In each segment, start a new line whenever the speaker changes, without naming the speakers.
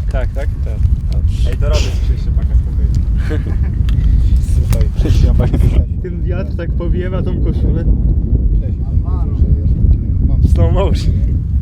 Tak.
Ej, to robię ci jeszcze paka spokojnie. Słuchaj,
Ten wiatr tak powiewa tą koszulę.
slow motion.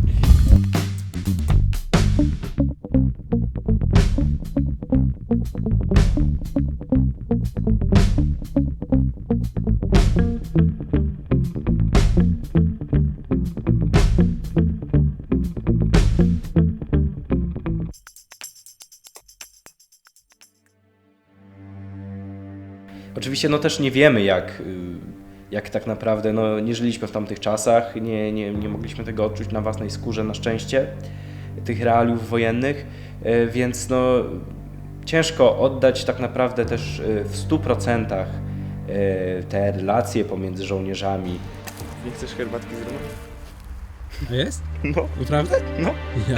Oczywiście no też nie wiemy jak tak naprawdę, no nie żyliśmy w tamtych czasach, nie mogliśmy tego odczuć na własnej skórze na szczęście, tych realiów wojennych, więc no ciężko oddać tak naprawdę też w 100% te relacje pomiędzy żołnierzami.
Nie chcesz herbatki z rana?
A jest?
No.
Naprawdę?
No.
Ja.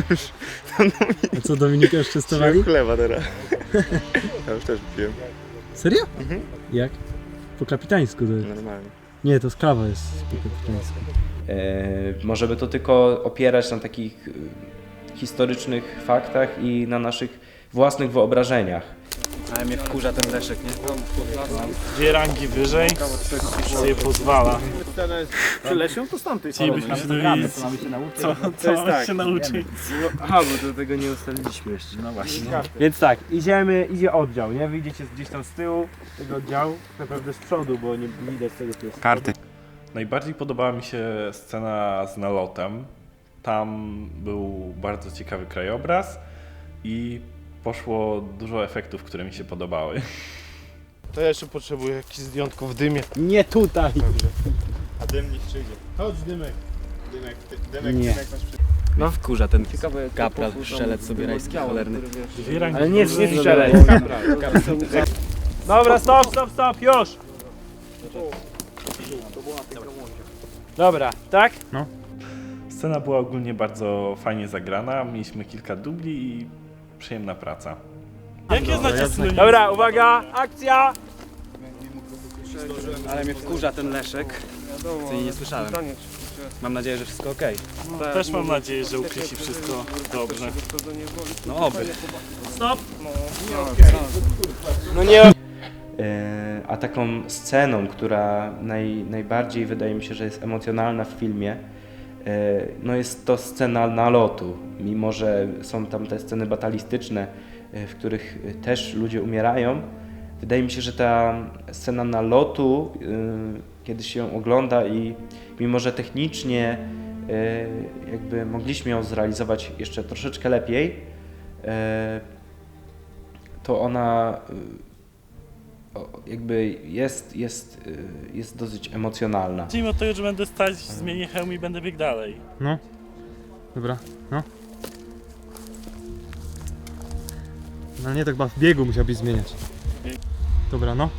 A co, Dominika już testowali?
Piłem chleba teraz. Ja już też piłem.
Serio?
Mhm.
Jak? Po kapitańsku to jest.
Normalnie.
Nie, to sklawa jest po kapitańsku.
Możemy to tylko opierać na takich historycznych faktach i na naszych własnych wyobrażeniach.
Ale mnie wkurza ten Leszek, nie?
Dwie rangi wyżej sobie pozwala.
Przy Lesiu to stąd
Ci byśmy się dowiedzieli, co mamy się nauczyć.
Aha, bo do tego nie ustaliliśmy jeszcze. No właśnie. Więc tak, idzie oddział, nie? Wyjdziecie gdzieś tam z tyłu tego oddziału, naprawdę z przodu, bo nie widać tego, co jest.
Karty.
Najbardziej podobała mi się scena z nalotem. Tam był bardzo ciekawy krajobraz i poszło dużo efektów, które mi się podobały.
To ja jeszcze potrzebuję jakieś zdjątko w dymie.
Nie tutaj!
A dym niech przyjdzie.
Chodź dymek.
Nie.
masz
No wkurza ten kapral, strzelec sobie rajski cholerny.
Dwie rangi
Ale nie
wyżej.
strzelec. Dobra, stop, już! Dobra, tak?
Scena była ogólnie bardzo fajnie zagrana, mieliśmy kilka dubli i przyjemna praca. Jakie znacie synonimy?
Dobra, uwaga, akcja! Ale mnie wkurza ten Leszek, co jej nie słyszałem. Mam nadzieję, że wszystko okej.
Też mam nadzieję, że ukryci wszystko dobrze.
No oby.
Stop!
No nie.
A taką sceną, która najbardziej wydaje mi się, że jest emocjonalna w filmie, no jest to scena nalotu. Mimo że są tam te sceny batalistyczne, w których też ludzie umierają, wydaje mi się, że ta scena nalotu, kiedy się ją ogląda i mimo że technicznie jakby mogliśmy ją zrealizować jeszcze troszeczkę lepiej, to ona jakby jest dosyć emocjonalna.
Zacznijmy od tego, że będę stać, zmienię hełm i będę biegł dalej.
No. Dobra, no. No nie, tak chyba w biegu musiałbyś zmieniać. Dobra, no.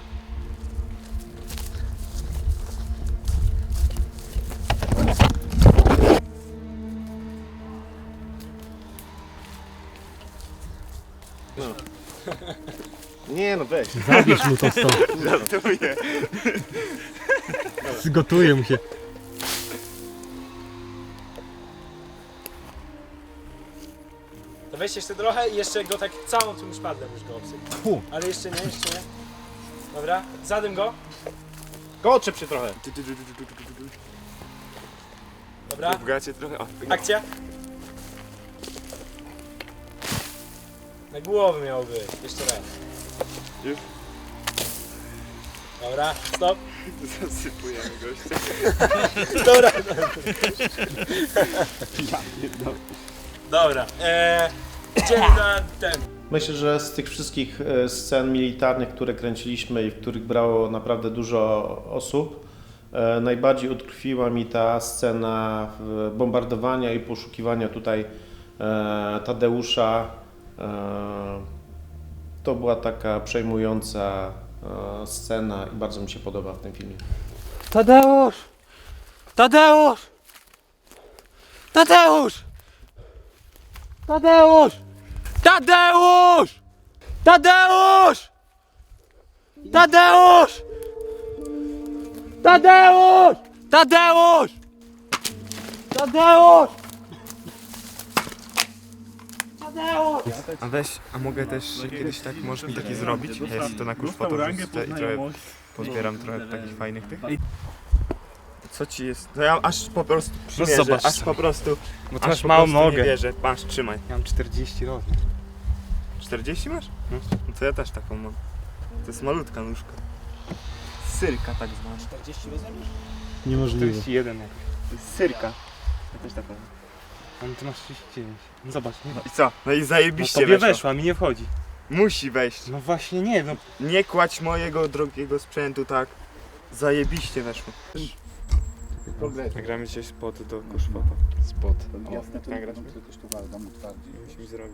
Nie no weź.
Zabierz mu to stąd.
Żartuję.
Zgotuje mu się.
To weź jeszcze trochę i jeszcze go tak całą tym szpadlem już go obsyp. Ale jeszcze nie. Dobra, zadym go.
Koczep się trochę.
Dobra,
W gacie trochę. O,
akcja. Na głowę miało być, jeszcze raz.
Już?
Dobra, stop.
zasypujemy gościa.
Dobra. Dobra, idziemy na ten.
Myślę, że z tych wszystkich scen militarnych, które kręciliśmy i w których brało naprawdę dużo osób, najbardziej utkwiła mi ta scena bombardowania i poszukiwania tutaj Tadeusza. To była taka przejmująca scena i bardzo mi się podoba w tym filmie.
Tadeusz! Tadeusz! Tadeusz! Tadeusz! Tadeusz! Tadeusz! Tadeusz! Tadeusz! Tadeusz! Tadeusz!
A mogę też kiedyś tak, możesz mi taki zrobić? Ja sobie to na kurs foto wrzucę i trochę pozbieram trochę takich fajnych tych. Co ci jest? To ja aż po prostu przymierzę,
zobacz
aż
sobie.
po prostu,
Bo ty
aż
masz
po
małą
prostu nie
nogę.
wierzę. Masz, trzymaj.
Ja mam 40 rozmiar.
40 masz? No to ja też taką mam. To jest malutka nóżka. Syrka tak zwana.
Niemożliwe.
41 jakoś.
To jest syrka. Ja też taką mam.
A no ty masz 39. No zobacz, nie
No i co? No i
no
zajebiście
tobie
weszła.
weszła, mi nie wchodzi.
Musi wejść.
No właśnie nie, no.
Nie kładź mojego drogiego sprzętu tak. Zajebiście weszło. Nagramy dzisiaj spot do koszfota.
Spot.
Nagrać mi? Musimy zrobić.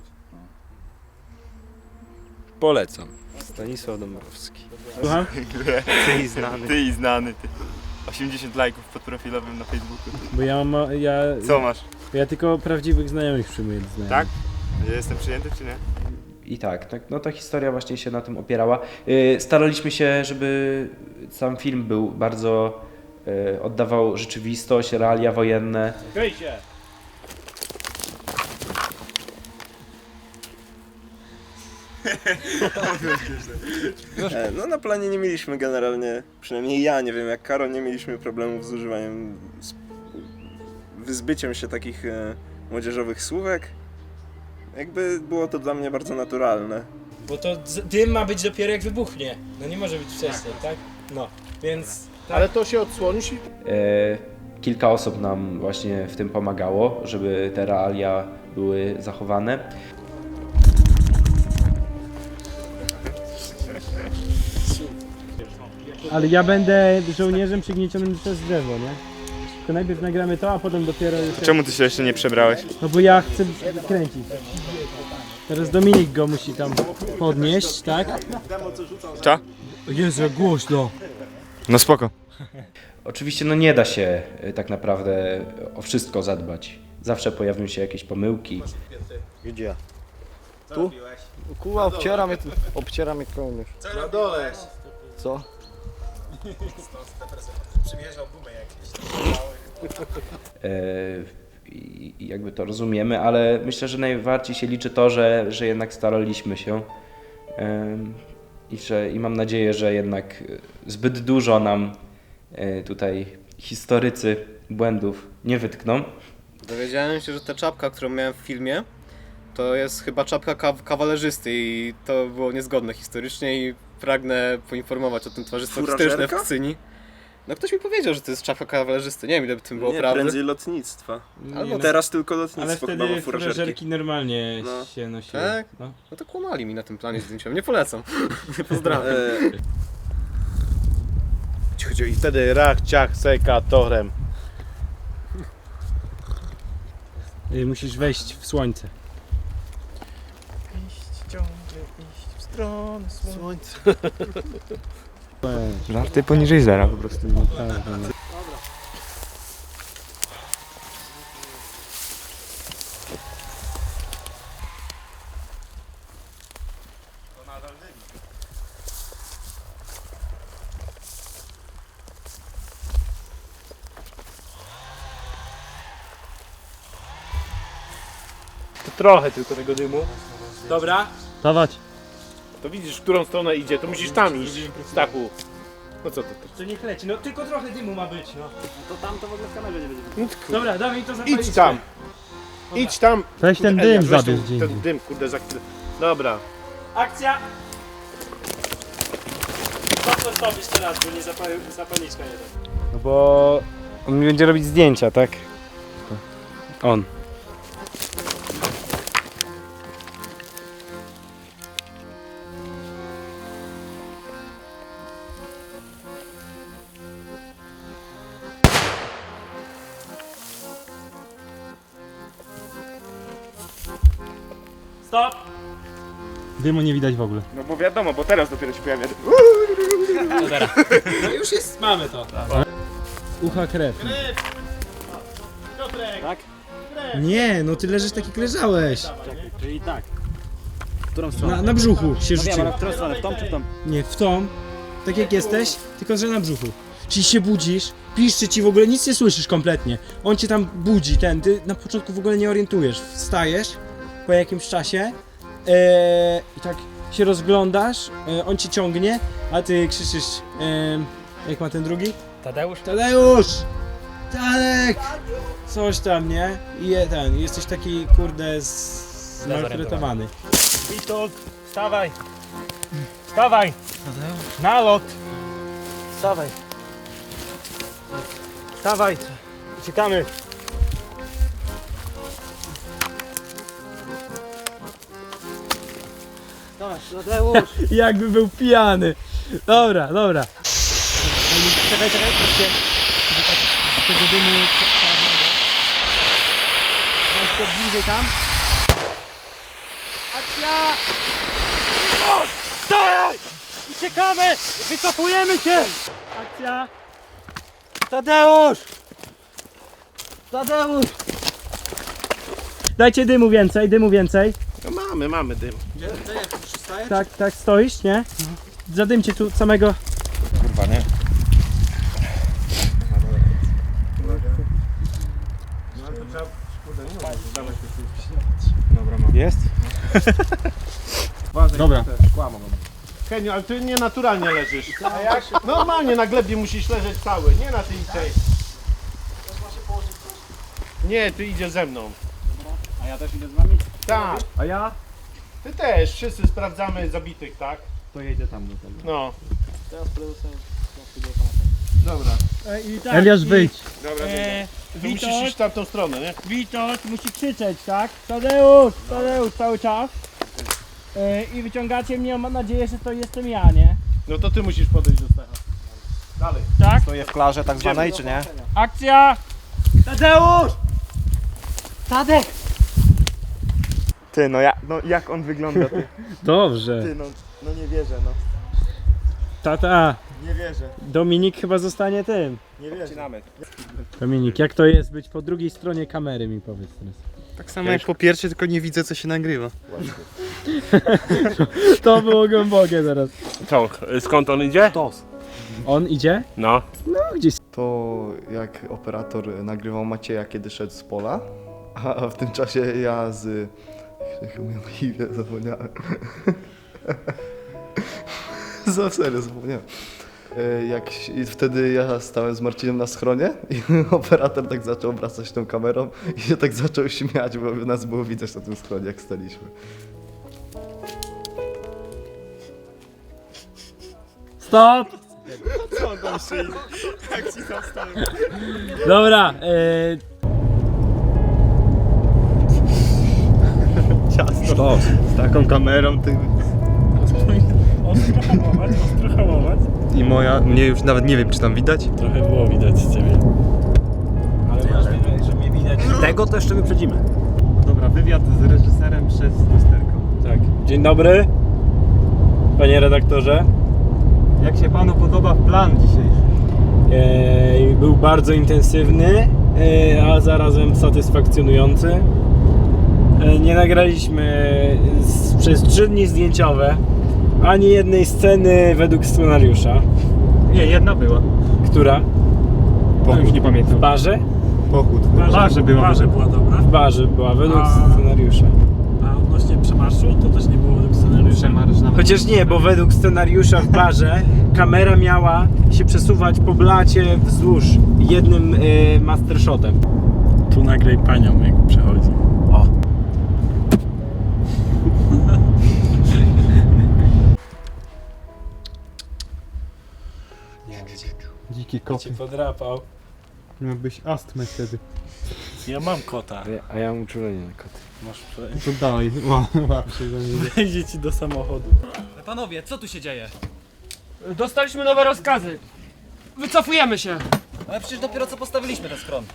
Polecam. Stanisław Dąbrowski.
Słucham?
Ty i znany. Ty i znany, ty. 80 lajków pod profilowym na Facebooku.
Bo
Co masz?
ja tylko prawdziwych znajomych przyjmuję do znajomych.
Tak? Ja jestem przyjęty czy nie?
I tak, no ta historia właśnie się na tym opierała. Staraliśmy się, żeby sam film był bardzo, oddawał rzeczywistość, realia wojenne.
No na planie nie mieliśmy generalnie, przynajmniej ja nie wiem jak Karol, nie mieliśmy problemów z używaniem, z wyzbyciem się takich młodzieżowych słówek. Jakby było to dla mnie bardzo naturalne.
Bo to dym ma być dopiero jak wybuchnie. No nie może być wcześniej, tak? No, więc... Tak.
Ale to się odsłonisz i
Kilka osób nam właśnie w tym pomagało, żeby te realia były zachowane.
Ale ja będę żołnierzem przygniecionym przez drzewo, nie? Tylko najpierw nagramy to, a potem dopiero już...
Czemu ty się jeszcze nie przebrałeś?
No bo ja chcę kręcić. Teraz Dominik go musi tam podnieść, tak?
Co?
Jezu, jak głośno.
No spoko.
Oczywiście no nie da się tak naprawdę o wszystko zadbać. Zawsze pojawią się jakieś pomyłki.
Gdzie? Tu? Kurwa, obciera mnie kołnierz.
na dole.
Co?
I jakby to rozumiemy, ale myślę, że najbardziej się liczy to, że jednak staraliśmy się i mam nadzieję, że jednak zbyt dużo nam tutaj historycy błędów nie wytkną.
Dowiedziałem się, że ta czapka, którą miałem w filmie, to jest chyba czapka kawalerzysty i to było niezgodne historycznie i pragnę poinformować o tym towarzystwo historyczne w Kcyni. No ktoś mi powiedział, że to jest czapka kawalerzysty, nie wiem ile by tym było
Nie,
prawdy.
prędzej lotnictwa.
Albo
Teraz tylko lotnictwo
Ale
chyba
wtedy
ma furażerki.
furażerki normalnie
No.
się nosiły.
Tak?
No.
No to kłamali mi na tym planie zdjęciowym, nie polecam. Pozdrawiam.
I wtedy rach, ciach, seka, torem.
Musisz wejść w słońce.
Słońce.
Żarty poniżej zera po prostu.
Trochę tylko tego dymu.
Dobra.
Dawać.
To widzisz, w którą stronę idzie, to musisz tam iść, Stachu. No co to?
To niech leci, no tylko trochę dymu ma być, no.
No,
Dobra, dawaj to zapalić.
idź tam! Idź tam!
Weź ten
Eliasz,
dym
weź
zabierz
ten,
gdzie
ten
indziej.
dym, kurde, za chwilę. Dobra.
Akcja! Co to robisz teraz, bo nie zapalniczka nie da.
No bo on mi będzie robić zdjęcia, tak? On.
Stop!
Dymu nie widać w ogóle.
No bo wiadomo, bo teraz dopiero się pojawia.
Dobra. No już jest, mamy to.
Ucha krew. Tak? Nie, no ty leżysz tak jak leżałeś.
Czyli tak. W którą stronę?
Na brzuchu się
No wiem,
rzucił.
ale w którą stronę? W tą czy w tą?
Nie, w tą. Tak jak jesteś, tylko że na brzuchu. Czyli się budzisz, piszczy ci w ogóle, nic nie słyszysz kompletnie. On cię tam budzi, ty na początku w ogóle nie orientujesz. Wstajesz
po jakimś czasie i tak się rozglądasz, on cię ciągnie, a ty krzyczysz, jak ma ten drugi?
Tadeusz?
Tadeusz! Tadek! Coś tam, nie? I jesteś taki, kurde, zmaltretowany.
Witold, wstawaj! Wstawaj! Na lot! Wstawaj! Wstawaj! Uciekamy! Dawaj, Tadeusz!
Jakby był pijany. Dobra, dobra.
Czekaj, proszę.
Tego dymu czarnego. Weź to bliżej tam. Akcja!
Dawaj! Uciekamy! Wycofujemy się!
Akcja!
Tadeusz! Tadeusz!
Dajcie dymu więcej, dymu więcej.
No mamy dym.
Tak, stoisz, nie? Zadymcie tu samego.
Kurwa, nie?
Jest? Dobra.
Heniu, ale ty nienaturalnie leżysz. A jak? Normalnie na glebie musisz leżeć cały, nie na tej. Nie, ty idziesz ze mną.
A ja też idę z wami?
Tak.
A ja?
Ty też, wszyscy sprawdzamy zabitych, tak?
To jedzie tam do tego.
No.
Teraz prezesem.
Dobra.
I tak,
Eliasz, wyjdź.
Dobra, to musisz iść w tamtą stronę, nie?
Witold musi krzyczeć, tak? Tadeusz, Tadeusz cały czas. I wyciągacie mnie, mam nadzieję, że to jestem ja, nie?
No to ty musisz podejść do Stecha. Dalej.
Tak?
Stoję w klarze tak zwanej, czy nie?
Akcja! Tadeusz! Tadek!
Ty, no jak on wygląda, ty?
Dobrze.
Ty, no nie wierzę, no.
Tata,
Nie wierzę,
Dominik chyba zostanie tym.
nie wierzę.
Dominik, jak to jest być po drugiej stronie kamery, mi powiedz teraz.
Tak samo jak po pierwsze, tylko nie widzę, co się nagrywa.
To było głębokie teraz.
Co, skąd on idzie?
On idzie?
No.
No gdzieś.
To jak operator nagrywał Macieja, kiedy szedł z pola, a w tym czasie ja z... Jak mówię na imię, zapomniałem. Serio, zapomniałem. Wtedy ja stałem z Marcinem na schronie i operator tak zaczął obracać tą kamerą i się tak zaczął śmiać, bo nas było widać na tym schronie, jak staliśmy.
Stop! Dobra,
Ciasto. Z taką kamerą, ty...
Ostro hamować.
I mnie już nawet nie wiem, czy tam widać.
Trochę było widać z ciebie.
ale masz wiedzieć, że mnie widać.
Tego to jeszcze wyprzedzimy.
Dobra, wywiad z reżyserem przez lusterko.
Tak. Dzień dobry, panie redaktorze.
Jak się panu podoba plan dzisiejszy?
Był bardzo intensywny, a zarazem satysfakcjonujący. Nie nagraliśmy przez 3 dni zdjęciowe ani jednej sceny według scenariusza.
Nie, jedna była.
Która?
No, już nie pamiętam.
W barze?
Pochód. W barze była.
Barze była dobra.
W barze była, według scenariusza.
A odnośnie przemarszu, to też nie było według scenariusza.
Przemarsz nawet.
Chociaż nie, bo według scenariusza w barze kamera miała się przesuwać po blacie wzdłuż jednym mastershotem.
Tu nagraj panią, jak przechodzi.
Dziki koty.
Podrapał.
Miałbyś astmę wtedy.
Ja mam kota.
A ja mam uczulenie na koty.
Masz
To dalej, łap się za mnie.
wejdzie ci do samochodu.
Panowie, co tu się dzieje?
Dostaliśmy nowe rozkazy. Wycofujemy się.
Ale przecież dopiero co postawiliśmy ten schron.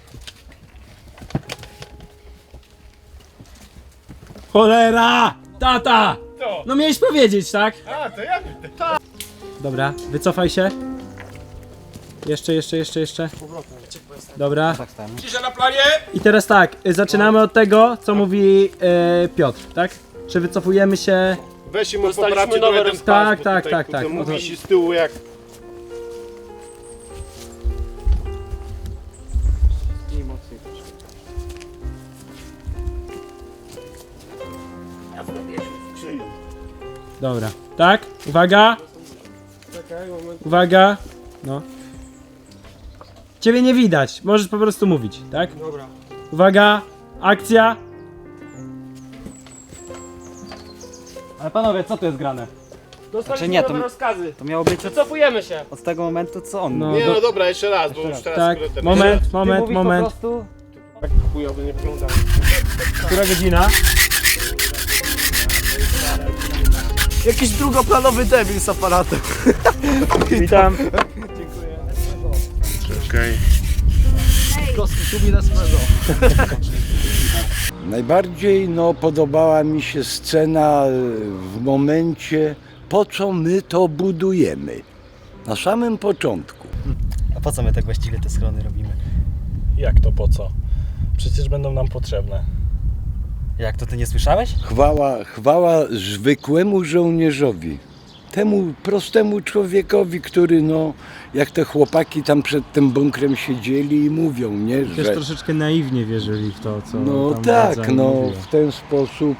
Cholera! Tata! No miałeś powiedzieć, tak? A, to ja. Dobra, wycofaj się. Jeszcze. Dobra.
Cisza na planie!
I teraz tak, zaczynamy od tego, co mówi Piotr, tak? Czy wycofujemy się?
Weź im poprawcie trochę ten pas,
Tak,
bo
tak,
tutaj,
tak, tak.
kurde, Mówi się z tyłu jak...
Dobra, tak? Uwaga! Uwaga! No. Ciebie nie widać, możesz po prostu mówić, tak?
Dobra.
Uwaga! Akcja!
Ale panowie, co tu jest grane?
Dostaliśmy
nie, to
nowe
mi-
rozkazy.
To miało być
Wycofujemy się.
od tego momentu, co on
No,
Nie no dobra, jeszcze raz, bo już teraz
tak,
skrótem.
moment.
Tak chujowo nie wyglądało.
Która godzina?
Jakiś drugoplanowy debil z aparatem.
Witam.
Najbardziej podobała mi się scena w momencie, po co my to budujemy. Na samym początku.
A po co my tak właściwie te schrony robimy?
Jak to po co? Przecież będą nam potrzebne.
Jak to, ty nie słyszałeś?
Chwała zwykłemu żołnierzowi. Temu prostemu człowiekowi, który jak te chłopaki tam przed tym bunkrem siedzieli i mówią, nie,
Też
że...
troszeczkę naiwnie wierzyli w to, co
No
tam
tak,
władza im mówiła.
w ten sposób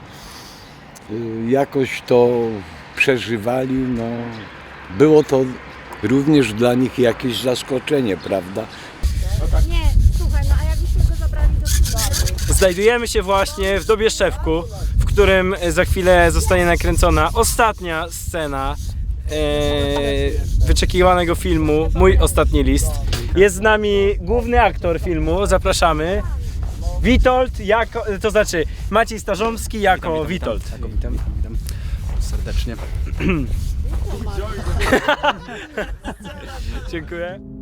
jakoś to przeżywali, Było to również dla nich jakieś zaskoczenie, prawda?
Nie, słuchaj, no a jakbyśmy go zabrali do szpitalu?
Znajdujemy się właśnie w Dobieszewku, w którym za chwilę zostanie nakręcona ostatnia scena wyczekiwanego filmu Mój ostatni list. Jest z nami główny aktor filmu, zapraszamy. Witold, to znaczy Maciej Starzomski jako Witold.
Witam serdecznie.
Dziękuję.